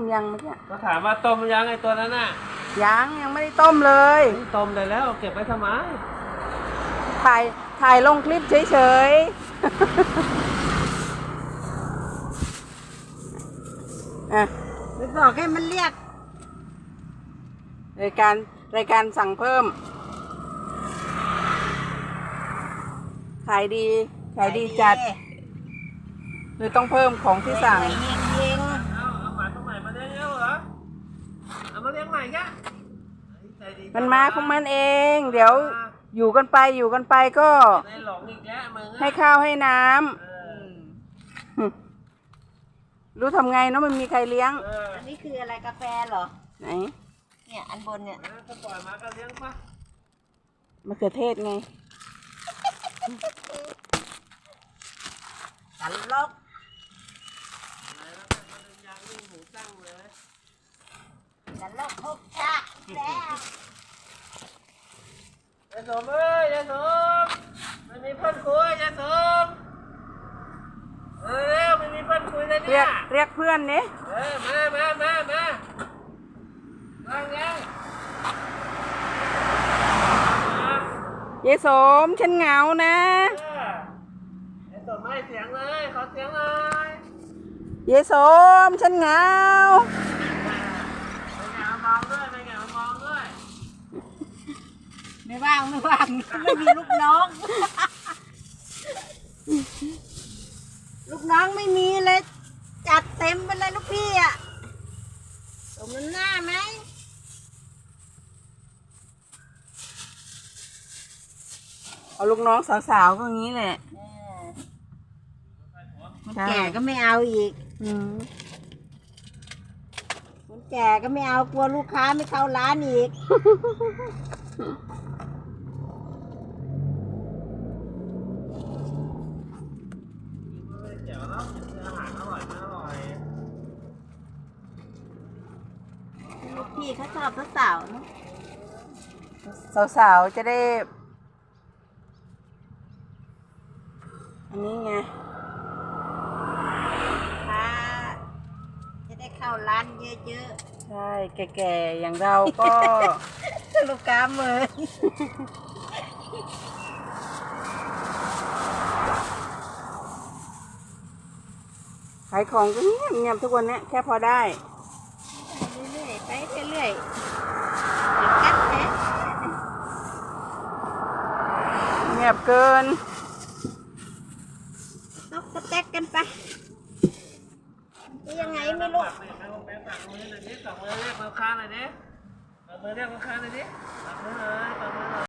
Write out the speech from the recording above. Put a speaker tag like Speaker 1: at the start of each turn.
Speaker 1: ยังเมื่อกี้
Speaker 2: ก็ถามว่าต้มยังไอตัวนั้นน่ะ
Speaker 1: ยังไม่ได้ต้มเลย
Speaker 2: ต้มได้แล้วเก็บไว้ทำไม
Speaker 1: ถ่ายลงคลิปเฉยๆ
Speaker 3: ไปบอกให้มันเรียก
Speaker 1: รายการสั่งเพิ่มขายดีจัดเลยต้องเพิ่มของที่สั่ง
Speaker 2: เอาหมาตัวใหม่มาเลี้ยงแล้วเหรอเอามาเลี้ยงใหม่กะ
Speaker 1: มันมาของมันเองเดี๋ยวอยู่กันไปก็ให้ข้าวให้น้ำรู้ทำไงเนาะมันมีใครเลี้ยง
Speaker 3: อันนี้คืออะไรกาแฟเหรอ
Speaker 1: ไหน
Speaker 3: เนี่ยอันบนเนี่ย
Speaker 2: ก็ปล่อยมาก็เลี้ยงปะ
Speaker 1: มะเขือเทศไง
Speaker 3: สันลกสันลกทุกชาแล้ว
Speaker 2: ยาสมยาสมมันมีเพื่อนคุยยาสมเร็วมันมีเพื่อนคุยเลยเนี่ย
Speaker 1: เรียกเพื่อนนี่
Speaker 2: มายัง
Speaker 1: ยายสมฉันเหงานะ
Speaker 2: ยายสมไม่เสียงเลยขอเสียงเลย
Speaker 1: ยายสมฉันเหงา
Speaker 2: มองด้วยมองด้วย
Speaker 3: ไม่ว่างไม่มีลูกน้องลูกน้องไม่มีเลยจัดเต็มไปเลยลูกพี่อ่ะสมน้ำหน้าไหม
Speaker 1: เอาลูกน้องสาวๆก็งี้แหละ
Speaker 3: คนแก่ก็ไม่เอาอีกคนแก่ก็ไม่เอากลัวลูกค้าไม่เข้าร้านอีกลูกพี่เขาชอบสาวๆเนาะ
Speaker 1: สาวๆจะได้อันนี้ไง
Speaker 3: ค้าจะได้เข้าร้านเยอะ
Speaker 1: ๆใช่แก่ๆอย่างเราก็
Speaker 3: ลูกค้ามือ
Speaker 1: ขายของก็เงียบทุกวันนี้แค่พอได้
Speaker 3: เรื่อยๆไปเรื่อยๆกัดแท้
Speaker 1: เงียบเกิน
Speaker 3: นกกระแตกกันไปยังไงไม่รู้
Speaker 2: ฝากมือหน่อยดิฝากมือเรียกลูกค้าหน่อยดิฝากมือเรียกลูกค้าหน่อยดิฝากมือเลย